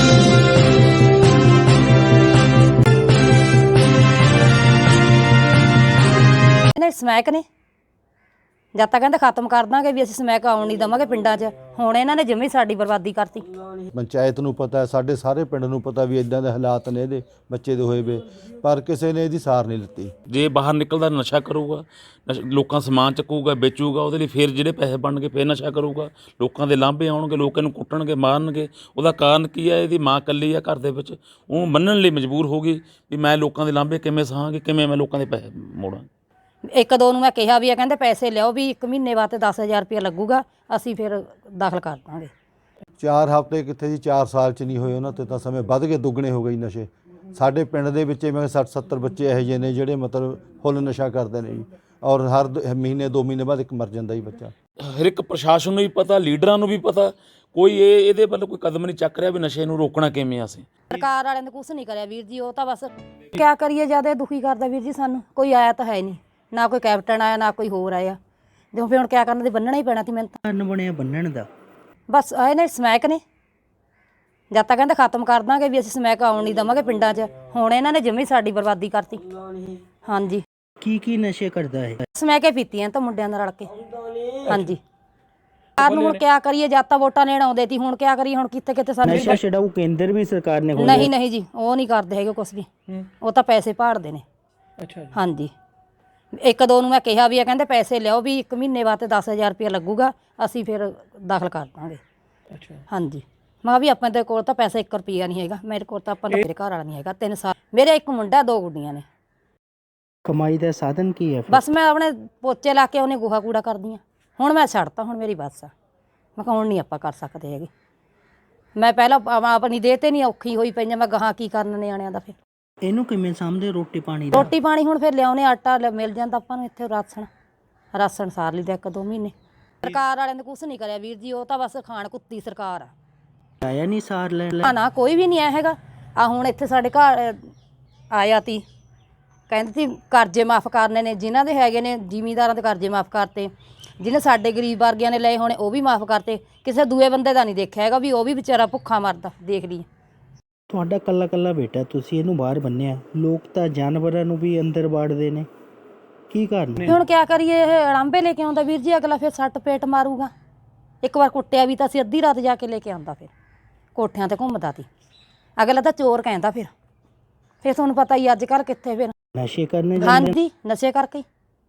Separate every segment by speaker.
Speaker 1: Smack ਨੇ ਜਦ ਤੱਕ ਕਹਿੰਦੇ ਖਤਮ ਕਰ ਦਾਂਗੇ ਵੀ ਅਸੀਂ ਸਮੈਕ ਆਉਣ ਨਹੀਂ ਦੇਵਾਂਗੇ ਪਿੰਡਾਂ 'ਚ। ਹੁਣ ਇਹਨਾਂ ਨੇ ਜਮੀ ਸਾਡੀ ਬਰਬਾਦੀ ਕਰਤੀ।
Speaker 2: ਪੰਚਾਇਤ ਨੂੰ ਪਤਾ, ਸਾਡੇ ਸਾਰੇ ਪਿੰਡ ਨੂੰ ਪਤਾ ਵੀ ਇਦਾਂ ਦੇ ਹਾਲਾਤ ਨੇ ਇਹਦੇ ਬੱਚੇ ਦੇ ਹੋਏ ਵੇ, ਪਰ ਕਿਸੇ ਨੇ ਇਹਦੀ ਸਾਰ ਨਹੀਂ ਲਿੱਤੀ।
Speaker 3: ਜੇ ਬਾਹਰ ਨਿਕਲਦਾ ਨਸ਼ਾ ਕਰੂਗਾ, ਲੋਕਾਂ ਸਮਾਨ ਚੱਕੂਗਾ, ਵੇਚੂਗਾ, ਉਹਦੇ ਲਈ ਫਿਰ ਜਿਹੜੇ ਪੈਸੇ ਬਣਨਗੇ ਫਿਰ ਨਸ਼ਾ ਕਰੂਗਾ, ਲੋਕਾਂ ਦੇ ਲਾਂਭੇ ਆਉਣਗੇ, ਲੋਕ ਇਹਨੂੰ ਕੁੱਟਣਗੇ, ਮਾਰਨਗੇ। ਉਹਦਾ ਕਾਰਨ ਕੀ ਹੈ? ਇਹਦੀ ਮਾਂ ਇਕੱਲੀ ਆ ਘਰ ਦੇ ਵਿੱਚ, ਉਹ ਮੰਨਣ ਲਈ ਮਜਬੂਰ ਹੋ ਗਈ ਵੀ ਮੈਂ ਲੋਕਾਂ ਦੇ ਲਾਂਭੇ ਕਿਵੇਂ ਸਹਾਂਗੀ, ਕਿਵੇਂ ਮੈਂ ਲੋਕਾਂ ਦੇ ਪੈਸੇ ਮੋੜਾਂ।
Speaker 1: ਇੱਕ ਦੋ ਨੂੰ ਮੈਂ ਕਿਹਾ ਵੀ ਆ, ਕਹਿੰਦੇ ਪੈਸੇ ਲਿਆਓ ਵੀ 1 ਮਹੀਨੇ ਬਾਅਦ 10,000 ਰੁਪਇਆ ਲੱਗੂਗਾ, ਅਸੀਂ ਫਿਰ ਦਾਖਲ ਕਰ ਦਾਂਗੇ।
Speaker 2: 4 ਹਫ਼ਤੇ ਕਿੱਥੇ ਜੀ, 4 ਸਾਲ 'ਚ ਨਹੀਂ ਹੋਏ ਉਹਨਾਂ ਤੇ ਤਾਂ ਸਮੇਂ ਵੱਧ ਕੇ ਦੁੱਗਣੇ ਹੋ ਗਏ ਨਸ਼ੇ। ਸਾਡੇ ਪਿੰਡ ਦੇ ਵਿੱਚ ਮੈਂ 60-70 ਬੱਚੇ ਇਹੋ ਜਿਹੇ ਨੇ ਜਿਹੜੇ ਮਤਲਬ ਫੁੱਲ ਨਸ਼ਾ ਕਰਦੇ ਨੇ ਜੀ, ਔਰ ਹਰ ਮਹੀਨੇ 2 ਮਹੀਨੇ ਬਾਅਦ ਇੱਕ ਮਰ ਜਾਂਦਾ ਜੀ ਬੱਚਾ।
Speaker 3: ਹਰ ਇੱਕ ਪ੍ਰਸ਼ਾਸਨ ਨੂੰ ਵੀ ਪਤਾ, ਲੀਡਰਾਂ ਨੂੰ ਵੀ ਪਤਾ, ਕੋਈ ਇਹਦੇ ਵੱਲ ਕੋਈ ਕਦਮ ਨਹੀਂ ਚੱਕ ਰਿਹਾ ਵੀ ਨਸ਼ੇ ਨੂੰ ਰੋਕਣਾ ਕਿਵੇਂ। ਅਸੀਂ
Speaker 1: ਸਰਕਾਰ ਵਾਲਿਆਂ ਨੇ ਕੁਛ ਨਹੀਂ ਕਰਿਆ ਵੀਰ ਜੀ, ਉਹ ਤਾਂ ਬਸ ਕਿਆ ਕਰੀਏ, ਜ਼ਿਆਦਾ ਦੁਖੀ ਕਰਦਾ ਵੀਰ ਜੀ ਸਾਨੂੰ। ਕੋਈ ਆਇਆ ਤਾਂ ਹੈ ਨਹੀਂ, ਨਾ ਕੋਈ ਕੈਪਟਨ ਆਇਆ, ਨਾ ਕੋਈ ਹੋਰ ਆਇਆ। ਜੋ ਫਿਰ ਹੁਣ ਕਿਆ ਕਰਨਾ, ਤੇ ਬੰਨਣਾ ਹੀ ਪੈਣਾ ਸੀ ਮੈਨੂੰ ਤਾਂ।
Speaker 4: ਬਣਿਆ ਬੰਨਣ ਦਾ
Speaker 1: ਬਸ ਆਏ ਨੇ ਸਮੈਕ ਨੇ ਜਦ ਤੱਕ ਕਹਿੰਦੇ ਖਤਮ ਕਰ ਦਾਂਗੇ ਵੀ ਅਸੀਂ ਸਮੈਕ ਆਉਣ ਨਹੀਂ ਦੇਵਾਂਗੇ ਪਿੰਡਾਂ 'ਚ। ਹੁਣ ਇਹਨਾਂ ਨੇ ਜਮੀ ਸਾਡੀ ਬਰਬਾਦੀ ਕਰਤੀ। ਹਾਂਜੀ,
Speaker 4: ਕੀ ਨਸ਼ੇ ਕਰਦਾ ਹੈ?
Speaker 1: ਸਮੈਕੇ ਪੀਤੀਆਂ ਤਾਂ ਮੁੰਡਿਆਂ ਨਾਲ ਰਲ ਕੇ। ਹਾਂਜੀ, ਕਾਰਨ ਹੁਣ ਕਿਆ ਕਰੀਏ, ਜਦ ਤਾਂ ਵੋਟਾਂ ਲੈਣ ਆਉਂਦੇ ਸੀ, ਹੁਣ ਕਿਆ ਕਰੀਏ, ਹੁਣ ਕਿੱਥੇ ਸਾਨੂੰ
Speaker 4: ਨਸ਼ਾ ਛਡਾਊ ਕੇਂਦਰ ਵੀ ਸਰਕਾਰ ਨੇ
Speaker 1: ਨਹੀਂ ਜੀ, ਉਹ ਨਹੀਂ ਕਰਦੇ ਹੈਗੇ ਕੁਛ ਵੀ, ਉਹ ਤਾਂ ਪੈਸੇ ਭਾੜਦੇ ਨੇ।
Speaker 4: ਅੱਛਾ।
Speaker 1: ਹਾਂਜੀ, ਇੱਕ ਦੋ ਨੂੰ ਮੈਂ ਕਿਹਾ ਵੀ ਆ, ਕਹਿੰਦੇ ਪੈਸੇ ਲਿਆਓ ਵੀ 1 ਮਹੀਨੇ ਬਾਅਦ 10,000 ਰੁਪਇਆ ਲੱਗੂਗਾ, ਅਸੀਂ ਫਿਰ ਦਾਖਲ ਕਰ ਦਾਂਗੇ।
Speaker 4: ਅੱਛਾ।
Speaker 1: ਹਾਂਜੀ, ਮੈਂ ਵੀ ਆਪਣੇ ਦੇ ਕੋਲ ਤਾਂ ਪੈਸਾ 1 ਰੁਪਈਆ ਨਹੀਂ ਹੈਗਾ, ਮੇਰੇ ਕੋਲ ਤਾਂ ਮੇਰੇ ਘਰ ਵਾਲਾ ਨਹੀਂ ਹੈਗਾ। 3 ਸਾਲ ਮੇਰੇ 1 ਮੁੰਡਾ 2 ਗੁੱਡੀਆਂ ਨੇ।
Speaker 4: ਕਮਾਈ ਦਾ ਸਾਧਨ ਕੀ ਹੈ?
Speaker 1: ਬਸ ਮੈਂ ਆਪਣੇ ਪੋਚੇ ਲਾ ਕੇ ਉਹਨੇ ਗੋਹਾ ਕੂੜਾ ਕਰਦੀ ਹਾਂ। ਹੁਣ ਮੈਂ ਛੱਡਤਾ, ਹੁਣ ਮੇਰੀ ਬੱਸ ਆ। ਮੈਂ ਕਿਹਾ ਹੁਣ ਨਹੀਂ ਆਪਾਂ ਕਰ ਸਕਦੇ ਹੈਗੇ। ਮੈਂ ਪਹਿਲਾਂ ਆਪਣੀ ਦੇਹ 'ਤੇ ਨਹੀਂ ਔਖੀ ਹੋਈ ਪਈ, ਮੈਂ ਗਾਹਾਂ ਕੀ ਕਰਨ ਨਿਆਣਿਆਂ ਦਾ। ਫਿਰ
Speaker 4: ਇਹਨੂੰ ਕਿਵੇਂ ਸਾਂਭਦੇ? ਰੋਟੀ ਪਾਣੀ
Speaker 1: ਹੁਣ ਫਿਰ ਲਿਆਉਣੇ, ਆਟਾ ਮਿਲ ਜਾਂਦਾ ਆਪਾਂ ਨੂੰ ਇੱਥੇ, ਰਾਸ਼ਨ ਸਾਰ ਲਈਦਾ 1-2 ਮਹੀਨੇ। ਸਰਕਾਰ ਵਾਲਿਆਂ ਨੇ ਕੁਛ ਨਹੀਂ ਕਰਿਆ ਵੀਰ ਜੀ, ਉਹ ਤਾਂ ਬਸ ਖਾਣ ਕੁੱਤੀ ਸਰਕਾਰ ਆ।
Speaker 4: ਆਇਆ ਨਹੀਂ ਸਾਰ ਲੈ
Speaker 1: ਨਾ ਕੋਈ ਵੀ ਨਹੀਂ ਆਇਆ ਹੈਗਾ। ਆ ਹੁਣ ਇੱਥੇ ਸਾਡੇ ਘਰ ਆਇਆ ਤੀ, ਕਹਿੰਦੇ ਸੀ ਕਰਜ਼ੇ ਮਾਫ਼ ਕਰਨੇ ਨੇ, ਜਿਨ੍ਹਾਂ ਦੇ ਹੈਗੇ ਨੇ ਜ਼ਿਮੀਂਦਾਰਾਂ ਦੇ ਕਰਜ਼ੇ ਮਾਫ਼ ਕਰਤੇ, ਜਿਹਨੇ ਸਾਡੇ ਗਰੀਬ ਵਰਗਿਆਂ ਨੇ ਲਏ ਹੋਣੇ ਉਹ ਵੀ ਮਾਫ਼ ਕਰਤੇ। ਕਿਸੇ ਦੂਏ ਬੰਦੇ ਦਾ ਨਹੀਂ ਦੇਖਿਆ ਹੈਗਾ ਵੀ ਉਹ ਵੀ ਵਿਚਾਰਾ ਭੁੱਖਾ ਮਰਦਾ। ਦੇਖ ਲਈ
Speaker 4: ਤੁਹਾਡਾ ਕੱਲਾ ਬੇਟਾ, ਤੁਸੀਂ ਇਹਨੂੰ ਬਾਹਰ ਬੰਨਿਆ, ਲੋਕ ਤਾਂ ਜਾਨਵਰਾਂ ਨੂੰ ਵੀ ਅੰਦਰ ਵਾੜਦੇ ਨੇ, ਕੀ ਕਰਨਾ?
Speaker 1: ਹੁਣ ਕਿਆ ਕਰੀਏ, ਇਹ ਅੜਾਂਬੇ ਲੈ ਕੇ ਆਉਂਦਾ ਵੀਰ ਜੀ, ਅਗਲਾ ਫਿਰ ਸੱਟ ਪੇਟ ਮਾਰੂਗਾ। ਇੱਕ ਵਾਰ ਕੁੱਟਿਆ ਵੀ ਤਾਂ ਅਸੀਂ ਅੱਧੀ ਰਾਤ ਜਾ ਕੇ ਲੈ ਕੇ ਆਉਂਦਾ, ਫਿਰ ਕੋਠਿਆਂ ਤੇ ਘੁੰਮਦਾ ਤੀ, ਅਗਲਾ ਤਾਂ ਚੋਰ ਕਹਿੰਦਾ। ਫਿਰ ਤੁਹਾਨੂੰ ਪਤਾ ਹੀ ਅੱਜ ਕੱਲ੍ਹ ਕਿੱਥੇ ਫਿਰ
Speaker 4: ਨਸ਼ੇ ਕਰਨੇ।
Speaker 1: ਹਾਂਜੀ, ਨਸ਼ੇ ਕਰਕੇ।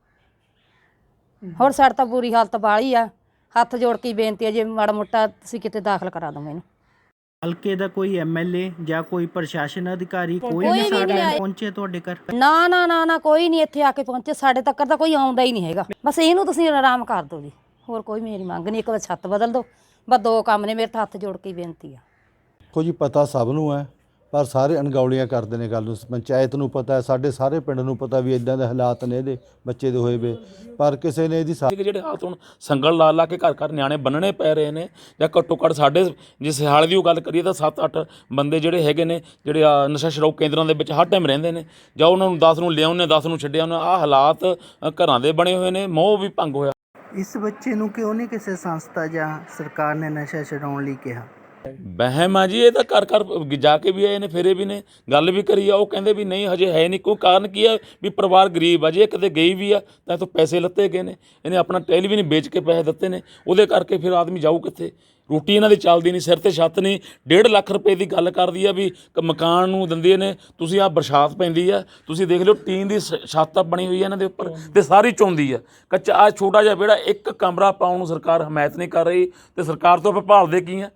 Speaker 1: ਹੋਰ ਸਾਡੀ ਤਾਂ ਬੁਰੀ ਹਾਲਤ ਬਾਹਲੀ ਆ। ਹੱਥ ਜੋੜ ਕੇ ਬੇਨਤੀ ਹੈ, ਜੇ ਮਾੜਾ ਮੋਟਾ ਤੁਸੀਂ ਕਿਤੇ ਦਾਖਲ ਕਰਾ ਦਿਓ ਮੈਨੂੰ।
Speaker 4: ਹਲਕੇ ਦਾ ਕੋਈ ਐਮਐਲਏ ਜਾਂ ਕੋਈ ਪ੍ਰਸ਼ਾਸਨ ਅਧਿਕਾਰੀ ਕੋਈ ਨਹੀਂ ਪਹੁੰਚੇ ਤੁਹਾਡੇ ਘਰ?
Speaker 1: ਨਾ ਕੋਈ ਨਹੀਂ ਇੱਥੇ ਆ ਕੇ ਪਹੁੰਚੇ। ਸਾਡੇ ਤੱਕ ਤਾਂ ਕੋਈ ਆਉਂਦਾ ਹੀ ਨਹੀਂ ਹੈਗਾ। ਬਸ ਇਹਨੂੰ ਤੁਸੀਂ ਆਰਾਮ ਕਰ ਦਿਓ ਜੀ, ਹੋਰ ਕੋਈ ਮੇਰੀ ਮੰਗ ਨਹੀਂ। ਇੱਕ ਵਾਰ ਛੱਤ ਬਦਲ ਦਿਓ, ਬਸ 2 ਕੰਮ ਨੇ ਮੇਰੇ ਤਾਂ। ਹੱਥ ਜੋੜ ਕੇ ਬੇਨਤੀ ਆ।
Speaker 2: ਦੇਖੋ ਜੀ, ਪਤਾ ਸਭ ਨੂੰ ਹੈ, ਪਰ ਸਾਰੇ ਅਣਗੌਲੀਆਂ ਕਰਦੇ ਨੇ ਗੱਲ ਨੂੰ। ਪੰਚਾਇਤ ਨੂੰ ਪਤਾ, ਸਾਡੇ ਸਾਰੇ ਪਿੰਡ ਨੂੰ ਪਤਾ ਵੀ ਇਦਾਂ ਦੇ ਹਾਲਾਤ ਨੇ ਇਹਦੇ ਬੱਚੇ ਦੇ ਹੋਏ ਵੇ, ਪਰ ਕਿਸੇ ਨੇ ਇਹਦੀ
Speaker 3: ਜਿਹੜੇ ਹਾਲਾਤ ਹੁਣ ਸੰਗਲ ਲਾ ਕੇ ਘਰ ਨਿਆਣੇ ਬੰਨਣੇ ਪੈ ਰਹੇ ਨੇ, ਜਾਂ ਘੱਟੋ ਘੱਟ ਸਾਡੇ ਜੇ ਸਿਹਾਲ ਦੀ ਉਹ ਗੱਲ ਕਰੀਏ ਤਾਂ 7-8 ਬੰਦੇ ਜਿਹੜੇ ਹੈਗੇ ਨੇ, ਜਿਹੜੇ ਨਸ਼ਾ ਛਡਾਊ ਕੇਂਦਰਾਂ ਦੇ ਵਿੱਚ ਹਰ ਟਾਈਮ ਰਹਿੰਦੇ ਨੇ, ਜਾਂ ਉਹਨਾਂ ਨੂੰ 10 ਨੂੰ ਲਿਆਉਂਦੇ, 10 ਨੂੰ ਛੱਡਿਆ। ਉਹਨਾਂ ਆਹ ਹਾਲਾਤ ਘਰਾਂ ਦੇ ਬਣੇ ਹੋਏ ਨੇ, ਮੋਹ ਵੀ ਭੰਗ ਹੋਇਆ।
Speaker 4: ਇਸ ਬੱਚੇ ਨੂੰ ਕਿਉਂ ਨਹੀਂ ਕਿਸੇ ਸੰਸਥਾ ਜਾਂ ਸਰਕਾਰ ਨੇ ਨਸ਼ਾ ਛਡਾਉਣ ਲਈ ਕਿਹਾ?
Speaker 3: ਵਹਿਮ ਆ ਜੀ, ਇਹ ਤਾਂ ਘਰ ਜਾ ਕੇ ਵੀ ਆਏ ਨੇ, ਫੇਰੇ ਵੀ ਨੇ, ਗੱਲ ਵੀ ਕਰੀ ਆ। ਉਹ ਕਹਿੰਦੇ ਵੀ ਨਹੀਂ ਹਜੇ ਹੈ ਨਹੀਂ। ਕੋਈ ਕਾਰਨ ਕੀ ਆ ਵੀ ਪਰਿਵਾਰ ਗਰੀਬ ਆ। ਜੇ ਕਿਤੇ ਗਈ ਵੀ ਆ ਤਾਂ ਇੱਥੋਂ ਪੈਸੇ ਲੱਤੇ ਗਏ ਨੇ, ਇਹਨੇ ਆਪਣਾ ਟੈਲੀਵਿਜ਼ਨ ਵੇਚ ਕੇ ਪੈਸੇ ਦਿੱਤੇ ਨੇ, ਉਹਦੇ ਕਰਕੇ ਫਿਰ ਆਦਮੀ ਜਾਊ ਕਿੱਥੇ? ਰੋਟੀ ਇਹਨਾਂ ਦੀ ਚੱਲਦੀ ਨਹੀਂ, ਸਿਰ 'ਤੇ ਛੱਤ ਨਹੀਂ। 1.5 ਲੱਖ ਰੁਪਏ ਦੀ ਗੱਲ ਕਰਦੀ ਆ ਵੀ ਮਕਾਨ ਨੂੰ ਦਿੰਦੇ ਨੇ। ਤੁਸੀਂ ਆਹ ਬਰਸਾਤ ਪੈਂਦੀ ਆ, ਤੁਸੀਂ ਦੇਖ ਲਿਓ ਟੀਨ ਦੀ ਛੱਤ ਬਣੀ ਹੋਈ ਆ ਇਹਨਾਂ ਦੇ ਉੱਪਰ, ਤੇ ਸਾਰੀ ਚੌਂਦੀ ਆ। ਕੱਚਾ ਆਹ ਛੋਟਾ ਜਿਹਾ ਵਿਹੜਾ, 1 ਕਮਰਾ ਪਾਉਣ ਨੂੰ ਸਰਕਾਰ ਹਮਾਇਤ ਨਹੀਂ ਕਰ ਰਹੀ, ਤੇ ਸਰਕਾਰ ਤੋਂ ਆਪਾਂ ਭਾਲਦੇ ਕੀ ਆ?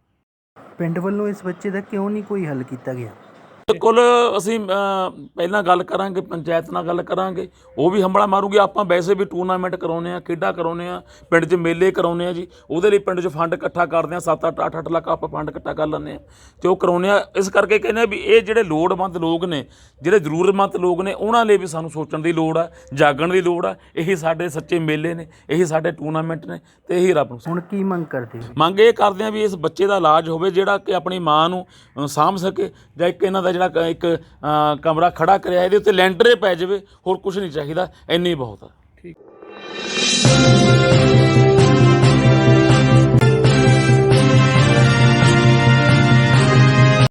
Speaker 4: ਪਿੰਡ ਵੱਲੋਂ ਇਸ ਬੱਚੇ ਦਾ ਕਿਉਂ ਨਹੀਂ ਕੋਈ ਹੱਲ ਕੀਤਾ ਗਿਆ?
Speaker 3: ਬਿਲਕੁਲ, ਅਸੀਂ ਪਹਿਲਾਂ ਗੱਲ ਕਰਾਂਗੇ, ਪੰਚਾਇਤ ਨਾਲ ਗੱਲ ਕਰਾਂਗੇ, ਉਹ ਵੀ ਹੰਬਲਾ ਮਾਰੂਗੀ। ਆਪਾਂ ਵੈਸੇ ਵੀ ਟੂਰਨਾਮੈਂਟ ਕਰਾਉਂਦੇ ਹਾਂ, ਖੇਡਾਂ ਕਰਾਉਂਦੇ ਹਾਂ, ਪਿੰਡ 'ਚ ਮੇਲੇ ਕਰਾਉਂਦੇ ਹਾਂ ਜੀ। ਉਹਦੇ ਲਈ ਪਿੰਡ 'ਚ ਫੰਡ ਇਕੱਠਾ ਕਰਦੇ ਹਾਂ, 7-8 ਲੱਖ ਆਪਾਂ ਫੰਡ ਇਕੱਠਾ ਕਰ ਲੈਂਦੇ ਹਾਂ, ਅਤੇ ਉਹ ਕਰਾਉਂਦੇ ਹਾਂ। ਇਸ ਕਰਕੇ ਕਹਿੰਦੇ ਹਾਂ ਵੀ ਇਹ ਜਿਹੜੇ ਲੋੜਵੰਦ ਲੋਕ ਨੇ, ਜਿਹੜੇ ਜ਼ਰੂਰਤਮੰਦ ਲੋਕ ਨੇ, ਉਹਨਾਂ ਲਈ ਵੀ ਸਾਨੂੰ ਸੋਚਣ ਦੀ ਲੋੜ ਆ, ਜਾਗਣ ਦੀ ਲੋੜ ਆ। ਇਹੀ ਸਾਡੇ ਸੱਚੇ ਮੇਲੇ ਨੇ, ਇਹੀ ਸਾਡੇ ਟੂਰਨਾਮੈਂਟ ਨੇ, ਅਤੇ ਇਹੀ ਰੱਬ ਨੂੰ।
Speaker 4: ਹੁਣ ਕੀ ਮੰਗ ਕਰਦੇ?
Speaker 3: ਮੰਗ ਇਹ ਕਰਦੇ ਹਾਂ ਵੀ ਇਸ ਬੱਚੇ ਦਾ ਇਲਾਜ ਹੋਵੇ, ਜਿਹੜਾ ਕਿ ਆਪਣੀ ਮਾਂ ਨੂੰ ਸਾਂਭ ਸਕੇ, ਜਾਂ ਇੱਕ ਇਹਨਾਂ ਦਾ ਜਿਹੜਾ ਇੱਕ ਕਮਰਾ ਖੜਾ ਕਰਿਆ, ਇਹਦੇ ਉੱਤੇ ਲੈਂਟਰ ਪੈ ਜਾਵੇ, ਹੋਰ ਕੁਝ ਨਹੀਂ ਚਾਹੀਦਾ, ਇੰਨੀ ਬਹੁਤ ਆ। ਠੀਕ।